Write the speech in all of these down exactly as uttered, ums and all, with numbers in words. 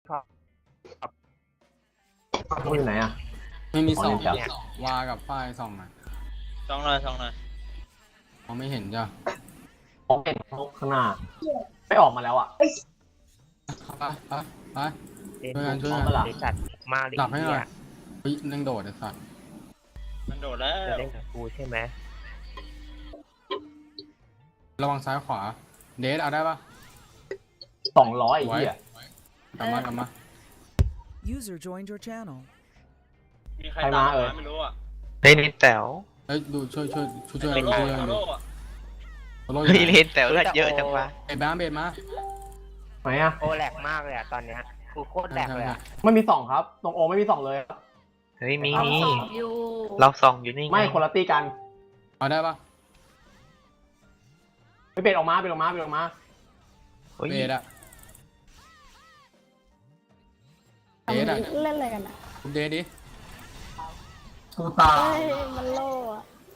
ท็อปพูดอยู่ไหนอ่ะไม่มีสองอ๋อวากับฝ้ายสองอ่ะสองหน่อยสองหน่อยมองไม่เห็นจ้ะมองเห็นข้างหน้าไม่ออกมาแล้วอ่ะไปไปไปเล่นช่วยกันช่วยกันบริษัทมากเลยหลับให้หน่อยเนี่ยเฮ้ยนั่งโดดไอ้สัตว์มันโดดแล้วจะเล่นกับกูใช่ไหมระวังซ้ายขวาเดทเอาได้ปะสองร้อยไอ้เหี้ยกลับมากลับมา User joined your channel. มีใครใครตามมาเอ่ยไม่รู้อ่ะเฮ้ยเลนแต๋วเฮ้ยดูช่วยช่วยช่วยช่วยโลช่วยโลช่วยโลดูอ่ะโอ้โหเฮ้ยเลนแต๋วเลือดเยอะจังวะไอ้บ้าเบดมาไหนอ่ะโอแหลกมากเลยอะตอนเนี้ยกูโคตรแหลกเลยอะไม่มีสองครับ ตรงโอไม่มีสองเลยเฮ้ยมีเอามีสองอยู่เราส่องอยู่นี่ไงไม่คนละตีกันเอาได้ปะไม่เป็นออกมาเป็นออกมาเป็นออกมาเฮ้ยเบดอะเดทอะเล่นอะไรกันอ่ะคุณเดทดิกูตาเฮ้ยมันโล่อะ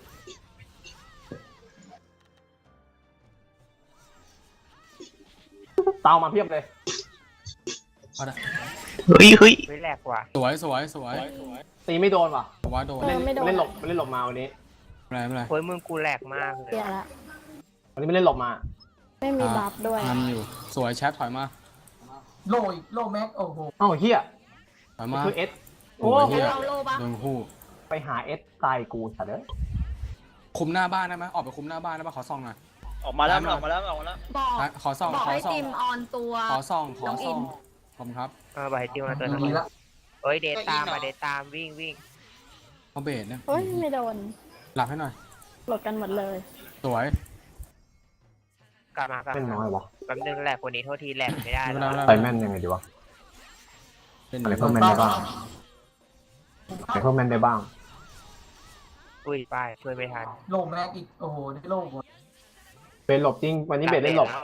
เตามาเพียบเลยเอาได้เฮ้ยเฮ้ยเฮ้ยแหลกว่ะสวยสวยสวยตีไม่โดนว่ะว่าโดนเออไม่โดนเล่นหลบเล่นหลบมาวันนี้อะไรไม่เป็นไรเฮ้ยมึงกูแหลกมากเลยเสียละวันนี้ไม่เล่นหลบมาไม่มีบัฟด้วยนำอยู่สวยแชทถอยมาโลอีกโลแม็กโอ้โหเอ้าเฮียถอยมาคือเอสโอ้โอ้ยเหี้ยเราโล่ปะโดนคู่ไปหาเอสตายกูสัตว์เอ้ยคุมหน้าบ้านได้ไหมออกไปคุมหน้าบ้านได้ปะขอส่องหน่อยออกมาแล้วมันออกมาแล้วมันออกมาแล้วบอกอ่ะขอส่องบอกขอให้ส่องติมออนตัวขอส่องขอน้องอิส่องนขอบคุณครับเออไปติวมาตัวดีนึงละเฮ้ยเดทตามมาเดทตามวิ่งวิ่งเอาเบสเนี่ยเฮ้ยไม่โดนหลับให้หน่อยหลดกันหมดเลยสวยกลับมากลับแม่นมาน้อยวะแป๊บนึงแหลกกว่านี้โทษทีแหลกไม่ได้ไม่แล้เป็นวไรใส่แม่นยังไงดีวะเป็นอะไรเพิ่มแม่นได้บ้างอะไรเพิ่มแม่นได้บ้างอุ้ยไปช่วยไม่ทันโลแม็กอีกโอ้โหได้โลหมดเป็นหลบจริงวันนี้เบสเล่นหลบ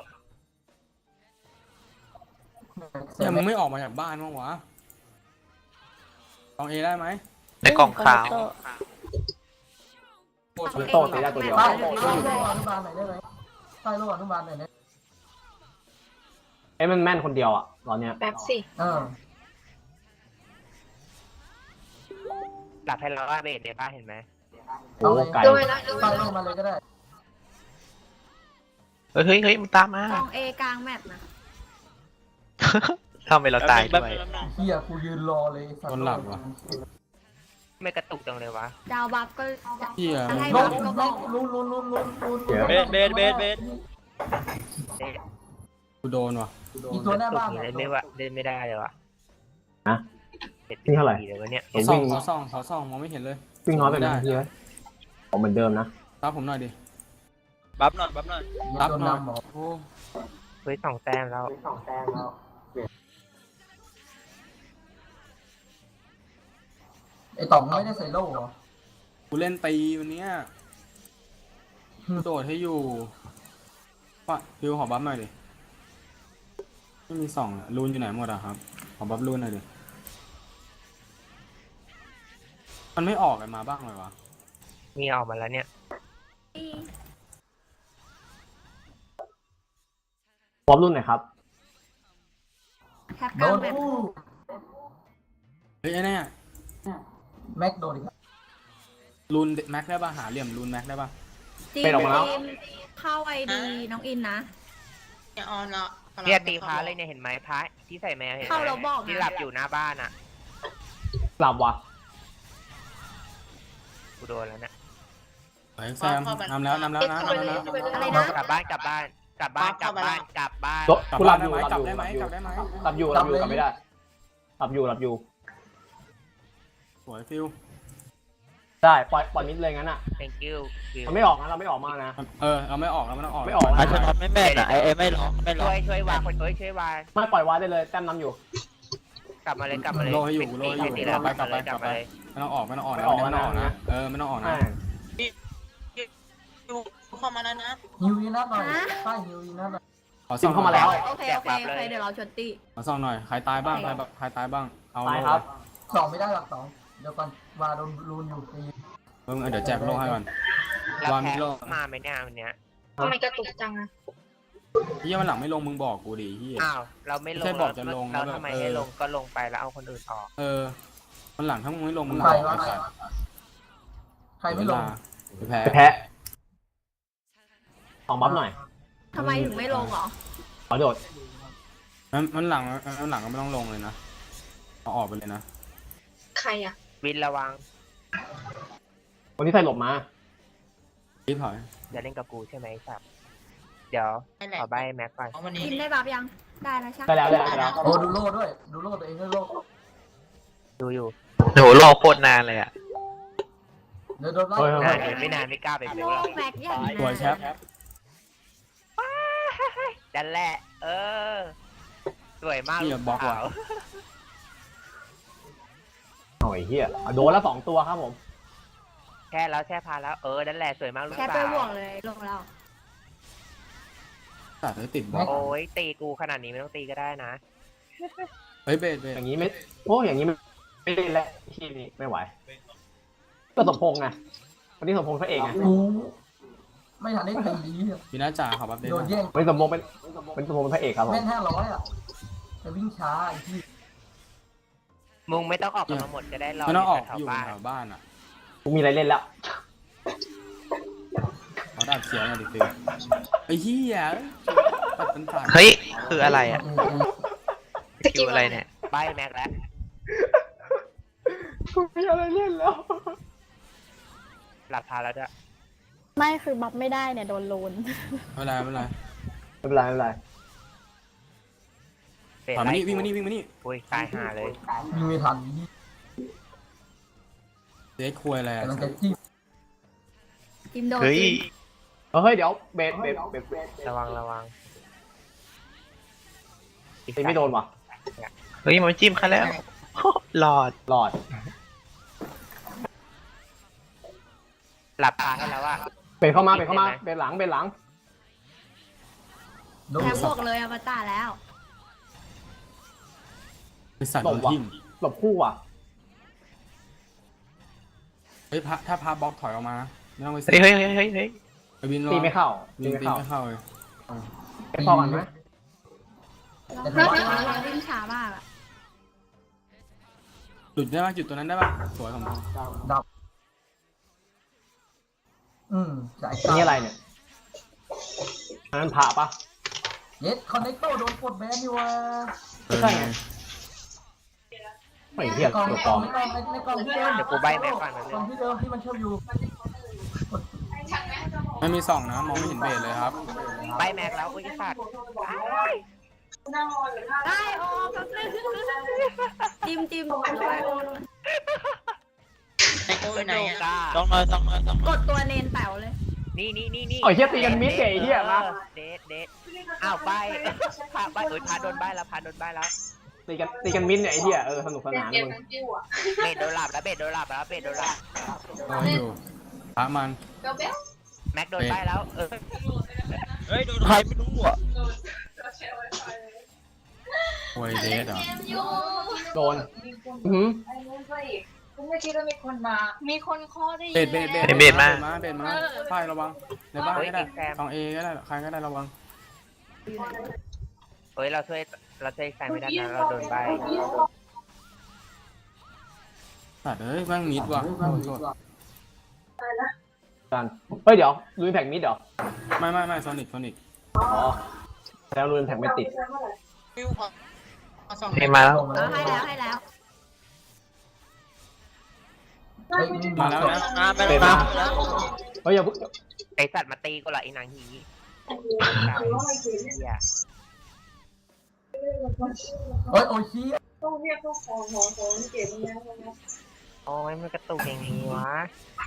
เนี่ยมึงไม่ออกมาจากบ้านมั้างวะลองเอได้ไหมในกล่องขาวคือโตตีได้ตัวเดียวใต้โลอนุบาลหน่อยได้ไหมใต้โลอนุบาลหน่อยนะเอ้ยมันแม่นคนเดียวอ่ะตอนเนี้ยแบบสิเออหลับให้เราว่าเบสในบ้านเห็นไหมโอ้ไก่ใต้โลมาเลยก็ได้เฮ้ยเฮ้ยเฮ้ยมึงตามมากองเอกลางแมปนะทำไมเราตายด้วยเฮียกูยืนรอเลยสัตว์คนหลับวะไม่กระตุกจังเลยวะดาวบัฟก็เฮียจะให้โลบัฟก็บแม็อกกลุ้นลุ้นลุ้นลุ้นลุ้นเบสเบสเบสเบสเอ๊ะกูโดนวะอีกตัวหน้าบ้านเล่นไม่ว่าเล่นไม่ได้เลยวะฮะเจ็ดนี่เท่าไหร่ปีเลยวะเนี่ยขอส่องขอส่องขอส่องมองไม่เห็นเลยวิ่งน้อยไปไหมเฮียผมเหมือนเดิมนะรับผมหน่อยดิบัฟหน่อยบัฟหน่อยรับโดนหน่อยนำหมอโอ้เฮ้ยสองแต้มแล้วไอต่องไม่ได้ใส่โล่เหรอกูเล่นตีวันเนี้ยกูโดดให้อยู่ปะพิวขอบัฟหน่อยดิไม่มีส่องอะรูนอยู่ไหนหมดอะครับขอบัฟรูนหน่อยดิมันไม่ออกกันมาบ้างเลยวะมีออกมาแล้วเนี่ยพร้อมรุ่นไหนอยครับแคปกโดลางนแมปอู้เฮ้ยไอ้เนี่ยแม็กโดนอีกแล้วรูนแม็กได้ป่ะหาเหลี่ยมรูนแม็กได้ป่ะจีเป็นออกมาแล้วจีมเข้าไอดีน้องอินนะเนี่ยออนแล้วเนี่ยตีพาเลยเนี่ยเห็นไหมพาที่ใส่แมวเห็นไหมเข้าแล้วบอกนะที่หลับอยู่หน้าบ้านอ่ะหลับว่ะกูโดนแล้วเนี่ยเฮ้ยแซมนำแล้วนำแล้วนะนำแล้วนะอะไรนะกลับบ้านกลับบ้านกลับบ้านกลับบ้านกลับบ้านรถกลับกูหลับ้าบนอได้ยู่ไหมหลักบลับอยู่ได้ไหมหลับอยู่หลับอยู่หลับอยู่กลับกลับได้ไหมไม่ได้หลับอยู่หลับอยู่สวยฟิวได้ปล่อยปล่อยมิดเลยงั้นอ่ะ thank you ฟิวมันไม่ออกนะเราไม่ออกมานะเออเราไม่ออกเราไม่ต้องออกไม่ออกอาชนอตไม่แม่นอ่ะไอ้ไอ้ไม่ร้องไม่ร้อช่วงยช่วยวางคนเอ้ยช่วยวางไม่ปล่อยวาได้เลยแต้มน้ำอยู่กลับมาเลยกลับมาเลยโลให้อยู่โลให้อยู่ตีกแล้ลัวบไปกลับไปกกลัลับบ มาไปเลยไม่ต้องออกไม่ต้องออกนะไม่ออกไม่ต้องออกนะนะเออไม่ต้องออกนะแม่งเข้ามาแล้วนะฮิวยีนัทหน่อยใต้ฮิวยีนัทหน่อยขอซิส่อมงเข้ามาแล้วโอเคโอเคโอเคเดี๋ยวเราชนตีขอส่องหน่อยใครตายบ้างใครแบบใครตายบ้างเอาตายครับสองไม่ได้หลักสองเดี๋ยวก่อนวาโดนรูนอยู่ตีมึงเดี๋ยวแจกโลให้ก่อนแล้ววางมิแพ้โลมาไหมเนี่ยวันเนี้ยทำไมกระตุกจังอะเฮียมันหลังไม่ลงมึงบอกกูดิเฮียอ้าวเราไม่ลงไม่ใช่บอกจะลงเราแล้วแบบทำไมเออให้ลงก็ลงไปแล้วเอาคนอื่นออกเออมันหลังถ้ามึงไม่ลงมึงใครบอกวะไอ้สัตว์ใครไม่ลงไปแพ้ไปแพ้ของบัฟหน่อยทำไมถึงไม่ลงเหรอขอโดดมันมันหลังมันหลังก็ไม่ต้องลงเลยนะเอาออกไปเลยนะใครอ่ะวินระวังวันนี้ใส่หลบมารีบถอยจะเล่นกับกูใช่ไหมครับเดี๋ยวนั่นแหละขอใบแม็กก่อนเอาวันนี้อินได้บัฟยัง ได้แล้วใช่ได้แล้วได้แล้วโอ้ดูโล่ด้วย ดูโล่ตัวเองด้วยโล่ดูอยู่โหรอโคตรนานเลยอ่ะเดี๋ยวโดนไล่เฮ้ยเฮ้ยนานเฮ้ยเดี๋ยวไม่นานไม่กล้าไปเบลโลแล้วกแม็กอย่างสวยแชปดันแหละ เออ สวยมากเฮียบล็อกว่ะขาวโอ้ยเฮียเอาโดนแล้วสองตัวครับผมแช่แล้วแช่พาแล้วเออนั่นแหละสวยมากลูกแค่สาไปบววกเลยลงแล้วตัดให้ติดบล็อกโอ้ยตีกูขนาดนี้ไม่ต้องตีก็ได้นะเฮ้ยเบสเบสอย่างนี้ไม่โอ้อย่างนี้ไม่ไม่เล่นแล้วที่นี่ไม่ไหวก็สมพงษ์ไงวันนี้สมพงษ์พระเอกไงกูไม่ทันได้ตีดีอะมีหน้าจ่าขอบัฟเดนโดนแย่งวันนี้สมพงษ์เป็นเป็นสมพงษ์เป็นพระเอกครับผมแม่งห้าร้อยอ่ะแต่วิ่งช้าไอ้ที่มึงไม่ต้องออกกันมาหมดก็ได้รอไม่ต้องออกแถวอยู่บ้านแถวบ้านอ่ะกูมีอะไรเล่นแล้วเขาดับเสียงหน่อยดิฟิวไอ้เหี้ยตัดเป็นสายเฮ้ย คืออะไรอ่ะเออคิวอะไรเนี่ยใบแม็กแล้วกูมีอะไรเล่นแล้วหลับพาแล้วด้วยไม่คือบัฟไม่ได้เนี่ยโดนลูนไม่เป็นไรไม่เป็นไรไม่เป็นไรไม่เป็นไรเปลี่ยนถอยมาไล่นี่วิ่งมานี่วิ่งมานี่อุ้ยตายห่าเลยวิ่งไม่ทันนี่เด็กคุยอะไรอ่ะกำลังจะจิ้มจิมโดนเฮ้ยจิมเออเฮ้ยเดี๋ยวเบสเบสเบสเบสระวังระวังตีไม่โดนว่ะเฮ้ย มันจิ้มกันแล้ว หลอดหลอดหลับพาให้แล้วว่าเบสเข้ามาเบสเข้ามาเบสหลังเบสหลังโดนแค่บวกเลยอวตารแล้วไอสัตว์หลโดบนว่ะทิ่มหลบคู่ว่ะเฮ้ยพระถ้าพาบล็อกถอยออกมานะไม่ต้องไปเฮ้ยเฮ้ยเฮ้ยเฮ้ยเฮ้ยไปบินรอตีไม่เข้าบิตีนไม่ตีเข้าไม่เข้าเลยไปพอกันไหมเราเราวิ่งช้ามากอะหลุดได้ป่ะจุดตัวนั้นได้ป่ะสวยของมึงดับ อืมจ่ายอันนี้อะไรเนี่ยอันนั้นพระปะเย็ดคอนเนคโตโดนกดแบนอยู่ว่ะเออใช่ไงไม่เทียบกล่องตัวในปกลล่ออง มในกล่องในกล่องที่เดิมเดี๋ยวกูใบแม็กก่อนนะกล่องที่เดิมที่มันเชื่อมอยู่ไม่มีส่องนะมองไม่เห็นเบสเลยครับใบแม็กแล้วอุ้ยสัตว์ได้โอ้แป๊บนึงจิมจิมช่วยโอ้หน่อยไอโอ้ยไหนอ่ะกล้าต้องมาต้องมาต้องกมาดตัวเนนแป๋วเลยนี่นี่นี่นี่โอ้ยเฮียตีกันมิดเก๋เฮียมาเดทเดทอ้าวใบพาใบเอ้ยพาโดนใบแล้วพาโดนใบแล้วตีกันตีกันมิดเนี่ยไอ้เฮียเออสนุกสนานมึงเบดโดนหลับแล้วเบดโดนหลับแล้วเบดโดนหลับรออยู่พระมันแม็กโดนใบแล้วเออเฮ้ยโดนใครไม่รู้อ่ะโวยเดสเหรอโดนอือหือไม่คิดว่ามีคนมา มีคนข้อได้เบสเบสเบสเบสมาเบสมาป้ายระวังในบ้านก็ได้ฝั่งเอก็ได้ใครก็ได้ระวังเฮ้ยเราช่วยเราช่วยใครไม่ได้นะเราโดนใบตัดเอ้ยแม่งมิดว่ะโทษโทษกันเฮ้ยเดี๋ยวลุยแพ็กมิดเหรอไม่ไม่ไม่โซนิกโซนิกอ๋อแล้วลุยแพ็กไม่ติดฟิวขอขอสองเฮ้ยมาแล้วเออให้แล้วให้แล้วเฮ้ยมาแล้วนะมาไปแล้วมาแล้วเฮ้ยอย่าเพิ่งไอสัตว์มาตีกูเหรอไอ้นางหีเหี้ยเฮ้ยโอ้ยชี้โอ้ยมันกระตุกอย่างนี้วะ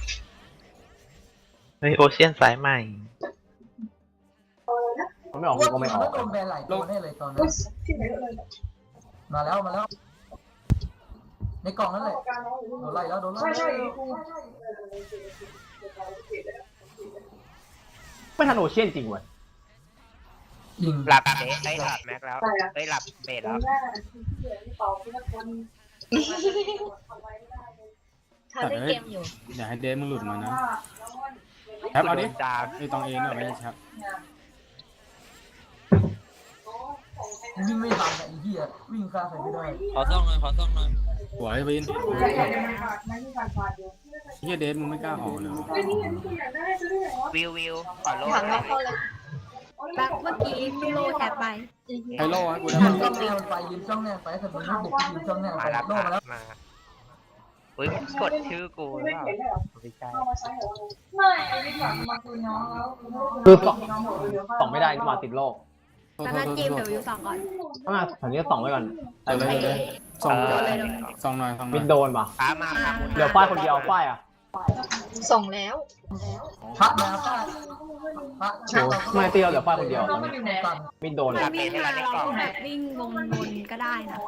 เฮ้ย โอเชียนสายใหม่มันไม่ออกว่าก็ไม่ออกโดนแบนหลายตัวแน่เลยตอนนั้นมาแล้วมาแล้ว ในกล่องนั่นแหละโดนไล่แล้วโดนไล่ไม่ทันโอเชียนจริงเว้ยยิงหลับเบสไอ้ยหลับแม็กแล้วเอ้ยหลับเบสแล้วตัดเอ้ยอย่าให้เดสมึงหลุดมานะแชปเอาดิจามไอตองเอเนี่ยไม่ใช่แชปวิ่งไม่ทันอะไอ้เหี้ยวิ่งข้ามใครไม่ได้ขอซ่องหน่อยขอซ่องหน่อยสวยวินเฮียเดสมึงไม่กล้าออกเลยวะวิววิวขอโลถังเราเข้าเลยแบบเมื่อกี้พี่โลแอบไปไฮโลให้กูได้ยืมั้นยจ้องแนวไปยืนจ้องแนวไปแต่มันไม่บุกยืนจ้องแนวมาไปแล้วโลมาแล้วมาอุ้ยกดชื่อกูหรือเปล่าไม่ใช่ไม่ไอ้ที่แบบมาคุยน้องแล้วคือสองสองไม่ได้นี่หว่าติดโลกโทษแล้วโทก็ษจิ้มโทเดี๋ษยววิวสองก่อนถ้ามาแถวนี้สองไว้ก่อนไปเลยเลยส่งเออส่งหน่อยส่งหน่มิอยดโดนป่ะพามาพามุนเดี๋ยวฝ้ายคนเดียวฝ้ายอ่ะส่งแล้วพักแล้วป้าพักโอ้ไม่เตี้ยวเดี๋ยวฝ้ายคนเดียวตอนนี้กันมิดโดนมันวิ่งมาเราแบบวิ่งวนๆก็ได้นะ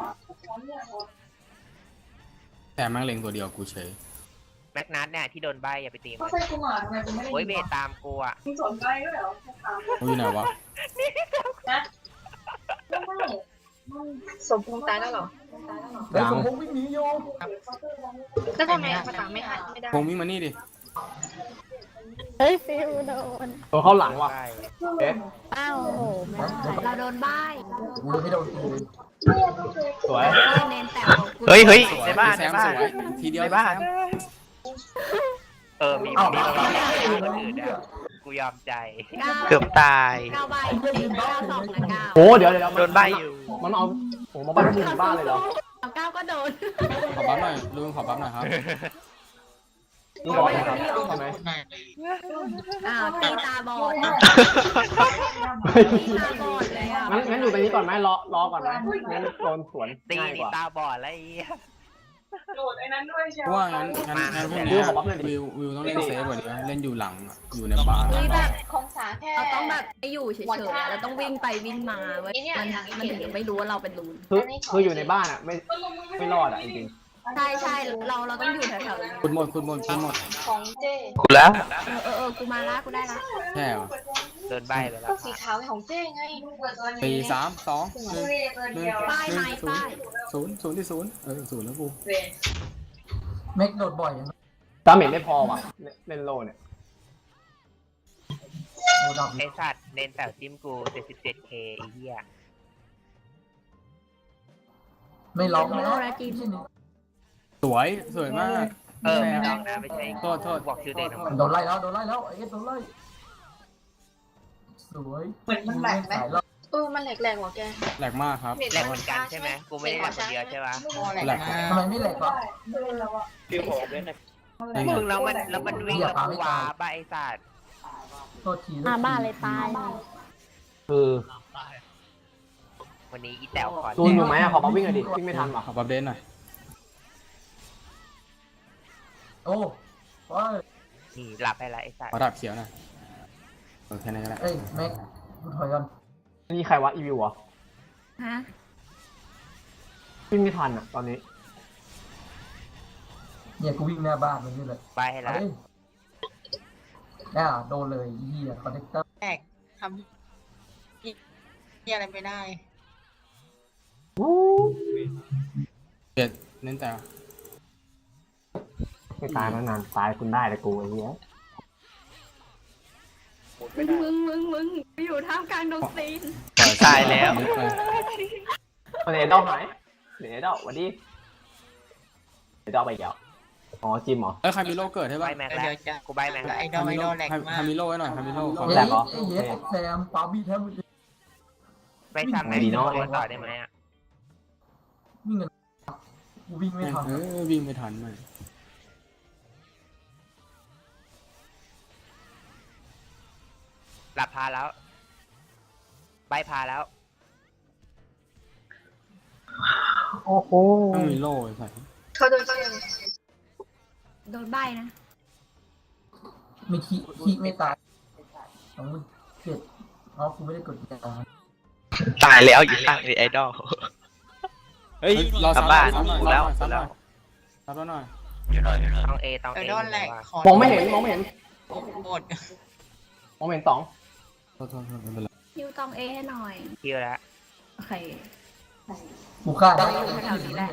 แต่แม่งเล็งตัวเดียวกูเฉยแม็กนัทเนี่ยที่โดนใบอย่าไปตีเขามันใส่กูหมาทำไมกูไม่ได้โอ้ยเบตตามกูอ่ะมึงสนใจด้วยเหรอถามกูอยู่ไหนวะนะไม่สมพงษ์ตายแล้วเหรอเฮ้ยสมพงษ์วิ่งหนีอยู่แล้วทำไมภาษาไม่หันไม่ได้พงวิ่งมานี่ดิเฮ้ยฟิวโดนตัวเข้าหลังว่ะใช่เอ๊ะอ้าวโอ้โหไม่ได้เราโดนใบ้กูเลยไม่โดนตีเลยสวยเน้นแต่ของกูเฮ้ยเฮ้ยสวยในบ้านแซในมบ้าสนวยทีเดียวในบ้านเออมีเอ้ามีเอ้ามาเอ้าบ้างเอ้าคนอื่นอ่ะกูยอมใจเกือบตายเก้าใบเก้าสองนะเก้าโอ้เดี๋ยวเดี๋ยวโดนใบอยู่มันเอาโอ้มาบ้านมึงบ้านเลยเหรอเก้าก็โดนขอบัฟหน่อยลุงขอบัฟหน่อยครับนี่บอลนะครับใช่ไหมอ้าวตีตาบอดเฮ้ยตีตาบอดเลยอ่ะงั้นงั้นอยู่ตรงนี้ก่อนไหมรอรอก่อนไหมงั้นโดนสวนตีง่ายกนี่ว่าตาบอดอะไรเงี้ยโหลดไอ้นั้นด้วยใช่เพไหมราะว่างั้นงั้นงั้นพวกเนี้ยวิววิวต้องเล่นเซฟกว่านี้นะเล่นอยู่หลังอะอยู่ในบาร์เฮ้ยแบบของสาแค่เราต้องแบบไม่อยู่เฉยๆอะเราต้องวิ่งไปวิ่งมาเว้ยมันมันถึงไม่รู้ว่าเราเป็นรูนคือคืออยู่ในบ้านอ่ะไม่ไม่รอดอ่ะจริงใช่ใช่เราเราต้องอยู่แถวๆนี้คุณหมดคุณหมดคุณหมดของเจกูแล้วเออเออเออกูมาละกูได้ละแค่เหรอโดนใบไปแล้วก็สีขาวของเจไงสี่สามสองหนึ่งหนึ่งป้ายหนึ่ไม้งศูนป้าย์ยศูนย์ศูนย์ที่ศูนย์เออศูนย์แล้วกูเม็กโดดบ่อยอย่างๆดาเมจไม่พอว่ะเล่นโลเนี่ยโดดดับไอสัตว์เน้นแต่จิ้มกู เจ็ดสิบเจ็ดเค ไอ้เหี้ยไม่ล็อกนะไม่ใช่นี่สวยสวยมากเออไม่ต้องนะไม่ใช่โทษโทษบอกชื่อเด่นของมันโดนไล่แล้วโดนไล่แล้วไอ้เอ็ดโดนไล่สวยเหมือนมันแหลกไหมสายรอบเออมันแหลกๆว่ะแกแหลกมากครับแหลกเหมือนกันใช่ไหมกูไม่ได้แหลกคนเดียวใช่ปะแหลกทำไมไม่แหลกวะนี่ไงมึงแล้วมันแล้วมันวิ่งแล้วกูว้าใบไอ้สัตว์โทษทีมาบ้านเลยตายคือวันนี้อีแต๋วขอตูนอยู่ไหมอ่ะขอมาวิ่งหน่อยดิวิ่งไม่ทันว่ะขอบัฟเดนหน่อยโอ้โอ้ยนี่หลับไปละไอ้สัตขอว์ดับเขียวหน่อยเออแค่นั้นก็ได้เอ้ยแม็กกูถอยก่อนนี่ใครวะอีวิวเหรอฮะวิ่งไม่ทันอ่ะตอนนี้เนี่ยกูวิ่งหน้าบ้านมันนี่เลยใบให้ละเฮ้ยน่าโดนเลยเฮียคอนเนคเตอร์แหลกทำนี่อะไรไม่ได้เจ็ดเน้นแต่ไม่ตายมานานตายคุณได้แต่กูไอ้เหี้ยมึงมึงมึงมึงอยู่ท่ามกลางดงซีนตายแล้วนิดไปเอาเนดอลหายเนดอลวันดีเนดอลไปเกี่ยวอ๋อจิมเหรอเอ้ยใครมีโลเกิดให้ใบบ้างแม็กแล้วกูใบแม็กแล้วไอดอลไอดอลแหลกใครมาใครกมีโลให้หน่อยใครมีโลขอเฮ้ยแหลกเหรอไอ้เฮดแซมปาบี้แทบไม่ได้ไปทำไงดีเนาะต่อได้ไหมอ่ะวิ่งกันกูวิ่งไม่ทันเออวิ่งไม่ทันเลยหลับพาแล้วใบพาแล้วโอ้โหต้องมีโลไอ้สัสเขาโดนเชื่อโดนใบนะไม่ขี้ขี้ไม่ตายสองหมื่นเจ็ดอ๋อกูไม่ได้กดยาตายแล้วอยู่ข้างไอดอลเฮ้ยรอกลับซ้ำบ้านซ้ำหน่อยแล้วซ้ำหแล้น่อยว ซ้ำหน่อยต้องเอต้องไอเอดอลแหลกมองไม่เห็นมองไม่เห็นหมดมองไม่เห็นสองโทษโทษโทษไม่เป็นไรคิวตองเอให้หน่อยคิวแล้วโอเคกูฆ่าได้แถวๆนี้แหละ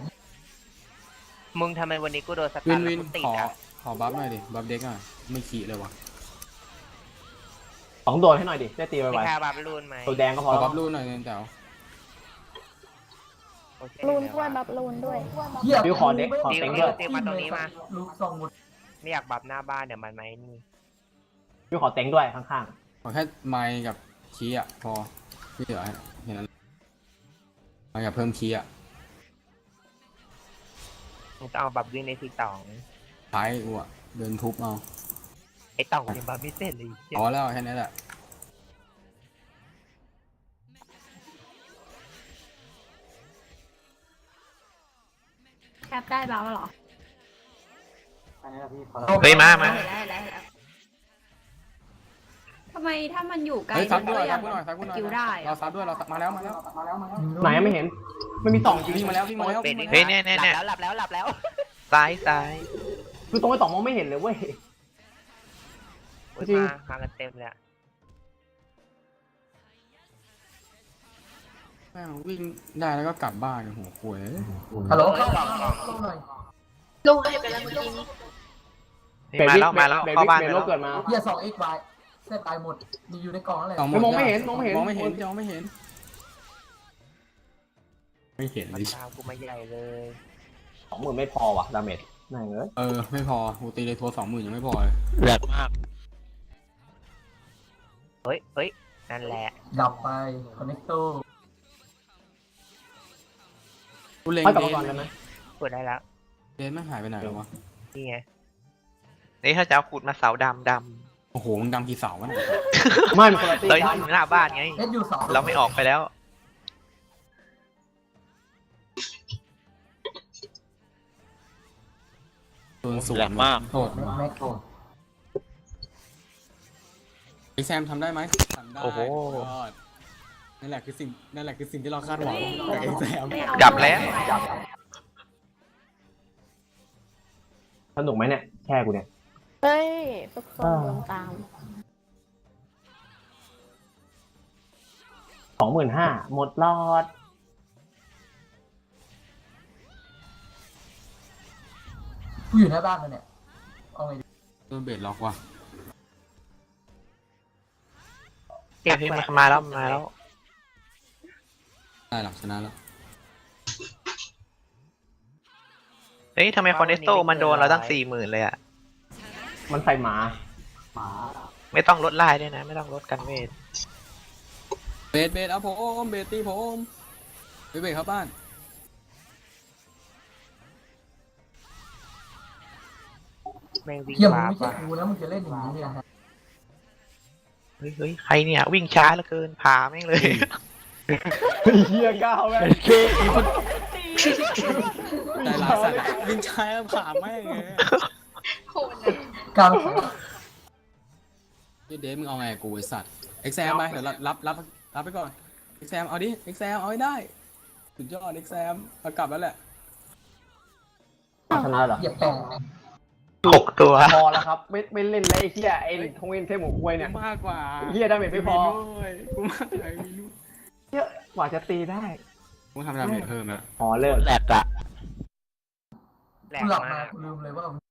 มึงทำไมวันนี้กูโดนสวิตาร์นทวินกูติดขออ่ะขอบัฟหน่อยดิบัฟเด็กหน่อยไม่ขี่เลยวะสองโดนให้หน่อยดิได้ตีไวมีค่าบาบลูนไหมๆตัวแดงก็ขพออแล้วบัฟรูนหน่อยเน้นแต่วโอเคลูนด้วยบับลูนด้วยเหี้ยฟิวขอเด็กขอติวเต็งติด้ววยติวมาตรงนี้มาลูกสองหมดไม่อยากบับหน้าบ้านเดี๋ยวมันไหมนี่ฟิวขอเต็งด้วยข้างขอแค่ไมค์กับคีย์อ่ะพอที่เหลือให้แค่นั้นไมค์กับเพิ่มคีย์อ่ะมึงต้องเอาบับวิ่งในที่ตองท้ายกูอ่ะเดินทุบเอาไอ้ตองยังบับไม่เสร็จเลยเหี้ยพอแล้วแค่นี้แหละแคปได้บ้างเหรอเฮ้ยมามาเห็นแล้วเห็นแล้วเห็นแล้วทำไมถ้ามันอยู่ไกลเฮ้ยซับด้วยก็ซับกูหน่อยซับกูหน่อยคิวได้เราซับด้วยเราซับมาแล้วมาแล้วๆไหนไม่เห็นไม่มีสองจริงวิ่งมาแล้ววิ่งมาแล้วเป็วิ่นงอีมาก แล้วเฮ้ยเนี่ยเนี่ยเนี่ยหลับแล้วหลับแล้วหลับแล้วซ้ายซ้ายคือตรงไอ้สองมองไม่เห็นเลยเว้ยโอ้ยจริงมามากันเต็มเลยอะแม่งวิ่งได้แล้วก็กลับบ้านโอ้โหป่วยฮัลโหลเข้าเข้าเข้าหน่อยลูกให้ไปแล้วเมื่อกี้นี้เฮ้ยมาแล้วมาแล้วเบเข้าวิกบ้านเบไปโลแล้วเกิดมาเหี้ยสองเอ็กซ์วายเส้นตายหมดมีอยู่ในกล่องนั่นแหละสองหมองไม่เห็นมองไม่เห็นมองไม่เห็นมองไม่เห็น ไม่เห็นมันดิตามกูมาใหญ่เลยสองหมื่นไม่พอว่ะดาเมจนั่งเอ้ยเออไม่พอกูตีเลยทัวสองหมื่นยังไม่พอเลยแหลกมากเฮ้ยเฮ้ยนั่นแหละดับไปคอนเนคโตกูเล็งให้กลับเดมาก่อนได้นไหมพูดได้แล้วเดนไม่หายไปไหนแล้ววะนี่ไงนี่ถ้าจะเอาขุดมาเสาดำดโอ้โหมึงดำกี่เสาวะเนี่ยไม่มันคนละตีำเราอกันยู่หน้าบ้านไงเอสยูสองเราไม่ออกไปแล้วโดนสวแหลนกมากโทษแม็กโตไอแซมทำได้ไหมทำได้โอ้โหยอดนั่นแหละคือสิ่งนั่นแหละคือสิ่งที่เราคาดหวังจากไอแซมไม่เอาดับแล้วสนุกไหมเนี่ยแช่กูเนี่ยเฮ้ย ทุกคนโดนตามสองหมื่นห้าหมดรอดกูอยู่หน้าบ้านมันเนี่ยเอาไงดีโดนเบสล็อกว่ะเจ็บเฮ้ยแปมาดมาแล้วมาแล้วได้หลักชนะแล้วเฮ้ยทำไมคอนเนสโตมันโดนเราตั้งสี่หมื่นเลยอะมันใส่หมาไม่ต้องลดลายด้วยนะ ไม่ต้องลดกันเวทเบสเบสเอาผมเบสตีผมไปเบสเข้าบ้านแม่งวิ่งเหี้ยมึงวาไม่บใช่ว่ะกูแล้วมึงจะเล่นอย่างนี้เนี่ยฮะเฮ้ยเฮ้ยใครเนี่ยวิ่งช้าเหลือเกินพาแม่งเลยเฮียก้าวแม่งใจร้ายสัตว์อะวิ่งช้าแล้วผ่าแม่งเลยกลางเดฟมึงเอาไงกูไอสัตว์เอ็กแซมไปเดี๋ยวรับรับรับรับไปก่อนเอ็กแซมเอาดิเอ็กแซมเอาให้ได้สุดยอดเอ็กแซมเอากลับแล้วแหละชนะเหรอเหยียบแปะหกตัวพอแล้วครับไม่ไม่เล่นแล้วไอ้เฮียไอ้ทงเอ็นเทหมูควยเนี่ยกูมากกว่าเฮียดาเมจไม่พอด้วยกูมากกว่ามีลูกเยอะกว่าจะตีได้กูทำดาเมจเพิ่มแล้วอ๋อเลิกแหลกอะแหลกูกหลับมามาก กูลืมเลยว่า